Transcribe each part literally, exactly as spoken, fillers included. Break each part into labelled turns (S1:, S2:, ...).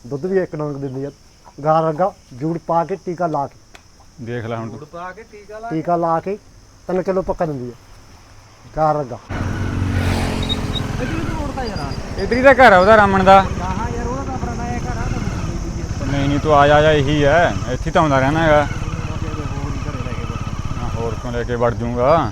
S1: ਦੁੱਧ ਵੀ ਇੱਕ ਡੰਗ ਦਿੰਦੀ ਆ। ਗਾਂ ਵਰਗਾ ਜੂੜ ਪਾ ਕੇ ਟੀਕਾ ਲਾ ਕੇ
S2: ਦੇਖ ਲੈ ਹੁਣ
S3: ਗੁੜ ਪਾ ਕੇ ਟੀਕਾ ਲਾ
S1: ਟੀਕਾ ਲਾ ਕੇ ਤਿੰਨ ਕਿਲੋ ਪੱਕਾ ਦਿੰਦੀ ਆ ਗਾਂ ਵਰਗਾ।
S3: ਇਧਰ ਤੋਂ ਮੋੜਦਾ ਯਾਰ
S2: ਇਧਰ ਹੀ ਤਾਂ ਘਰ ਆ ਉਹਦਾ ਰਾਮਣ ਦਾ।
S3: ਗਾਹਾਂ ਯਾਰ ਉਹਦਾ ਤਾਂ ਆਪਣਾ ਨਇਆ ਘਰ ਆ ਤਾਂ
S2: ਨਹੀਂ ਨਹੀਂ ਤੂੰ ਆ ਜਾ ਜਾ ਇਹੀ ਹੈ, ਇੱਥੇ ਤਾਂ ਆਉਂਦਾ ਰਹਿਣਾ ਹੈਗਾ।
S3: ਹੋਰ ਹੀ ਘਰੇ ਲੈ ਕੇ ਬੈਠਾ
S2: ਹਾਂ, ਹੋਰ ਕਿਉਂ ਲੈ ਕੇ ਵੜ ਜਾਊਂਗਾ।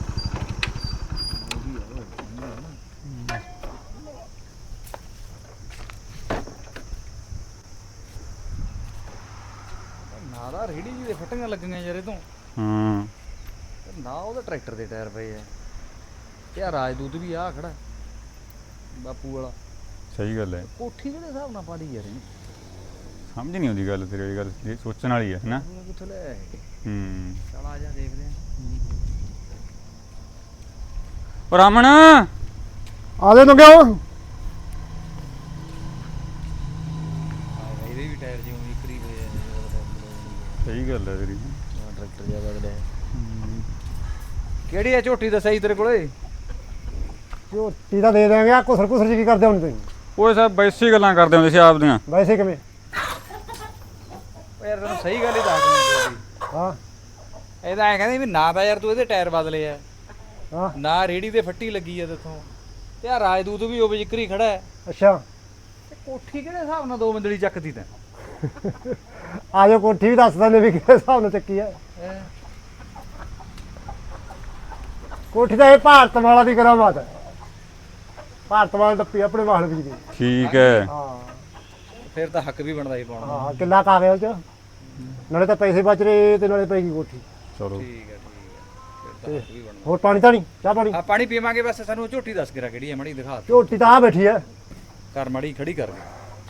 S3: ਨਾ ਦਾ ਰੇੜੀ ਜੀ ਦੇ ਫਟੀਆਂ ਲੱਗੀਆਂ ਯਾਰ ਇਹ ਤੋਂ
S2: ਹਾਂ
S3: ਨਾ ਉਹਦਾ ਟਰੈਕਟਰ ਦੇ ਟਾਇਰ ਪਏ ਆ। ਯਾਰ ਰਾਜਦੂਤ ਵੀ ਆ ਖੜਾ ਬਾਪੂ ਵਾਲਾ।
S2: ਸਹੀ ਗੱਲ ਹੈ,
S3: ਕੋਠੀ ਕਿਹੜੇ ਹਿਸਾਬ ਨਾਲ ਪਾਲੀ ਯਾਰ ਇਹਨੇ
S2: ਸਮਝ ਨਹੀਂ ਆਉਂਦੀ ਗੱਲ ਤੇਰੀ ਗੱਲ, ਇਹ ਸੋਚਣ ਵਾਲੀ ਹੈ ਨਾ।
S3: ਉਹ ਕਿੱਥੋਂ ਲੈ ਆਏ?
S2: ਹੂੰ
S3: ਚੱਲ ਆ ਜਾ ਦੇਖਦੇ ਆ।
S2: ਉਹ ਰਾਮਣ
S1: ਆ ਦੇ ਨੂੰ ਕਿਉਂ
S3: ਇਹਦੇ ਵੀ ਟਾਇਰ ਜਿਉਂ ਵਿਕਰੀ ਹੋਏ ਆ
S2: ਸਹੀ ਗੱਲ ਹੈ ਤੇਰੀ।
S3: ਟਰੈਕਟਰ ਜਿਹਾ ਬਦਲਿਆ। ਕਿਹੜੀ ਆ ਝੋਟੀ ਦੱਸਿਆ ਤੇਰੇ ਕੋਲੇ?
S1: ਝੋਟੀ ਤਾਂ ਦੇ ਦੇਵਾਂਗੇ। ਆ ਕੁਸਰ ਕੁਸਰ ਜੀ ਕੀ ਕਰਦੇ ਹੁਣ ਤੁਸੀਂ?
S2: ਉਹ ਸਭ ਬੈਸੀ ਗੱਲਾਂ ਕਰਦੇ ਹੁੰਦੇ ਸੀ ਆਪਦੀਆਂ।
S1: ਵੈਸੇ ਕਿਵੇਂ?
S3: ਓ ਯਾਰ ਤੈਨੂੰ ਸਹੀ ਗੱਲ ਹੀ ਦੱਸ ਦਿੰਦੀ
S1: ਹਾਂ
S3: ਇਹਦਾ ਐ ਕਹਿੰਦੇ ਵੀ ਨਾ ਤਾਂ ਯਾਰ ਤੂੰ ਇਹਦੇ ਟਾਇਰ ਬਦਲੇ ਆ,
S1: ਹਾਂ
S3: ਨਾ ਰੇੜੀ ਤੇ ਫੱਟੀ ਲੱਗੀ ਆ ਤੇਥੋਂ, ਤੇ ਆ ਰਾਜਦੂਤ ਵੀ ਉਹ ਵਿਕਰੀ ਖੜਾ ਹੈ।
S1: ਅੱਛਾ
S3: ਤੇ ਕੋਠੀ ਕਿਹੜੇ ਹਿਸਾਬ ਨਾਲ ਦੋ ਮੰਦਲੀ ਚੱਕਦੀ ਤੈਂ?
S1: ਆ ਜਾਓ ਕੋਠੀ ਵੀ ਦੱਸ ਦਿੰਦੇ ਵੀ ਕਿਹੜੇ ਹਿਸਾਬ ਨਾਲ ਚੱਕੀ ਹੈ।
S3: ਹੈਂ?
S1: ਕੋਠੀ ਦਾ ਇਹ ਭਾਰਤ ਵਾਲਾ ਦੀ ਕਰਾਮਾਤ ਹੈ। ਭਾਰਤ ਵਾਲਾ ਟੱਪੀ ਆਪਣੇ ਵਾਹਣ ਵੀ ਦੀ।
S2: ਠੀਕ ਹੈ,
S1: ਹਾਂ
S3: ਫਿਰ ਤਾਂ ਹੱਕ ਵੀ ਬਣਦਾ ਹੀ ਪਾਉਣਾ।
S1: ਹਾਂ ਕਿੱਲਾ ਕਾਗਜ਼ ਚ ਨਾਲੇ ਤਾਂ ਪੈਸੇ ਬਚ ਰਹੇ ਤੇ ਨਾਲੇ ਪੈਗੀ ਕੋਠੀ।
S2: ਚਲੋ
S3: ਠੀਕ ਹੈ ਠੀਕ ਹੈ, ਫਿਰ ਤਾਂ ਹੱਕ ਵੀ ਬਣਦਾ।
S1: ਹੋਰ ਪਾਣੀ ਤਾਂ ਨਹੀਂ? ਚਾਹ ਪਾਣੀ?
S3: ਆ ਪਾਣੀ ਪੀਵਾਂਗੇ ਬਸ। ਸਾਨੂੰ ਝੋਟੀ ਦੱਸ ਕੇ ਰਾ ਕਿਹੜੀ ਹੈ, ਮੜੀ ਦਿਖਾ ਦੇ।
S1: ਝੋਟੀ ਤਾਂ ਆ ਬੈਠੀ ਹੈ।
S3: ਕਰ ਮੜੀ ਖੜੀ ਕਰ ਦੇ।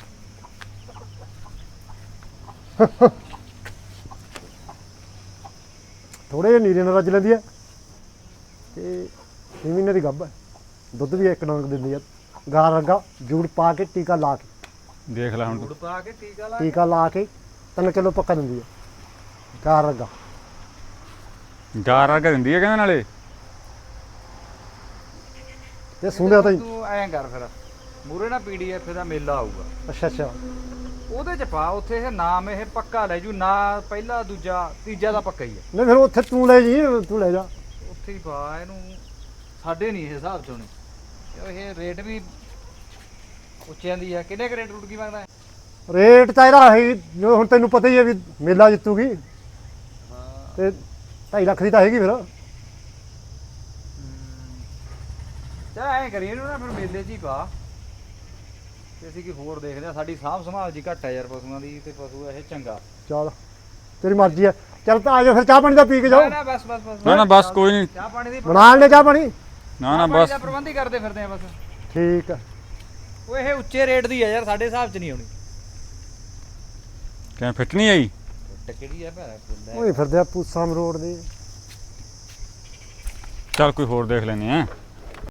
S1: ਥੋੜੇ ਜਿਹੇ ਨੀਰੇ ਨਾਲ ਰੱਜ ਲੈਂਦੀ ਹੈ ਤੇ ਛੇ ਮਹੀਨੇ ਦੀ ਗੱਭ ਹੈ। ਦੁੱਧ ਵੀ ਇੱਕ ਡੰਗ ਦਿੰਦੀ ਆ। ਗਾਂ ਵਰਗਾ ਜੂੜ ਪਾ ਕੇ ਟੀਕਾ ਲਾ ਕੇ
S2: ਦੇਖ ਲੈ ਹੁਣ
S3: ਗੁੜ ਪਾ ਕੇ ਟੀਕਾ ਲਾ
S1: ਟੀਕਾ ਲਾ ਕੇ ਤਿੰਨ ਕਿਲੋ ਪੱਕਾ ਦਿੰਦੀ ਆ ਗਾਂ ਵਰਗਾ।
S2: ਗਾਰ ਆ ਕੇ ਦਿੰਦੀ ਹੈ ਕਹਿੰਦੇ ਨਾਲੇ।
S1: ਤੇ ਸੁਣਿਆ ਤਾਂ ਹੀ।
S3: ਤੂੰ ਐਂ ਕਰ ਫਿਰ ਮੂਰੇ ਨਾ ਪੀਡੀਐਫ ਦਾ ਮੇਲਾ ਆਊਗਾ,
S1: ਅੱਛਾ ਅੱਛਾ
S3: ਉਹਦੇ ਚ ਪਾ ਉੱਥੇ ਇਹ ਨਾਮ ਇਹ ਪੱਕਾ ਲੈ ਜੂ ਨਾ, ਪਹਿਲਾ ਦੂਜਾ ਤੀਜਾ ਦਾ ਪੱਕਾ ਹੀ ਹੈ।
S1: ਨਹੀਂ ਫਿਰ ਉੱਥੇ ਤੂੰ ਲੈ ਜੀ, ਤੂੰ ਲੈ ਜਾ।
S3: ਉੱਥੇ ਹੀ ਪਾ ਇਹਨੂੰ। ਸਾਡੇ ਨਹੀਂ ਇਹ ਹਿਸਾਬ ਚ ਹੋਣੀ ਕਿਉਂ ਇਹ ਰੇਟ ਵੀ ਉੱਚਿਆਂ ਦੀ ਆ। ਕਿੰਨੇ ਕੁ ਰੇਟ ਰੂਟ ਕੀ ਮੰਗਦਾ ਹੈ?
S1: ਰੇਟ ਤਾਂ ਇਹਦਾ ਹੈ ਜੋ ਹੁਣ ਤੈਨੂੰ ਪਤਾ ਹੀ ਹੈ ਵੀ ਮੇਲਾ ਜਿੱਤੂਗੀ
S3: ਹਾਂ
S1: ਤੇ ਢਾਈ ਲੱਖ ਦੀ ਤਾਂ ਹੈਗੀ ਫਿਰ।
S3: ਚਾ ਐਂ ਕਰੀਏ ਇਹਨੂੰ ਨਾ ਫਿਰ ਮੇਲੇ 'ਚ ਹੀ ਪਾ ਤੇ ਅਸੀਂ ਕੀ ਹੋਰ ਦੇਖਦੇ ਆ। ਸਾਡੀ ਸਾਂਭ ਸੰਭਾਲ ਜੀ ਘੱਟ ਹੈ ਯਾਰ ਪਸ਼ੂਆਂ ਦੀ, ਤੇ ਪਸ਼ੂ ਇਹ ਚੰਗਾ।
S1: ਚੱਲ ਤੇਰੀ ਮਰਜ਼ੀ ਹੈ। ਚੱਲ ਤਾਂ ਆ ਜਾ ਫਿਰ ਚਾਹ ਪਾਣੀ ਦਾ ਪੀ ਕੇ ਜਾਓ।
S3: ਨਾ ਨਾ ਬਸ ਬਸ ਬਸ
S2: ਨਾ ਨਾ ਬਸ ਕੋਈ ਨਹੀਂ।
S3: ਚਾਹ ਪਾਣੀ ਦੀ
S1: ਬਣਾ ਲੈ ਚਾਹ ਪਾਣੀ।
S2: ਨਾ ਨਾ
S3: ਪਾਣੀ
S2: ਬਸ
S3: ਦਾ ਪ੍ਰਬੰਧ ਹੀ ਕਰਦੇ ਫਿਰਦੇ ਆ ਬਸ।
S1: ਠੀਕ ਹੈ।
S3: ਉਹ ਇਹ ਉੱਚੇ ਰੇਟ ਦੀ ਆ ਯਾਰ, ਸਾਡੇ ਹਿਸਾਬ 'ਚ ਨਹੀਂ ਆਉਣੀ।
S2: ਕਿਵੇਂ ਫਿੱਟ ਨਹੀਂ ਆਈ?
S3: ਕਿਹੜੀ ਆ ਭੈਣਾ
S1: ਉਹ ਫਿਰਦੇ ਆ ਪੂਸਾਮ ਰੋਡ ਦੇ।
S2: ਚੱਲ ਕੋਈ ਹੋਰ ਦੇਖ ਲੈਨੇ ਆ।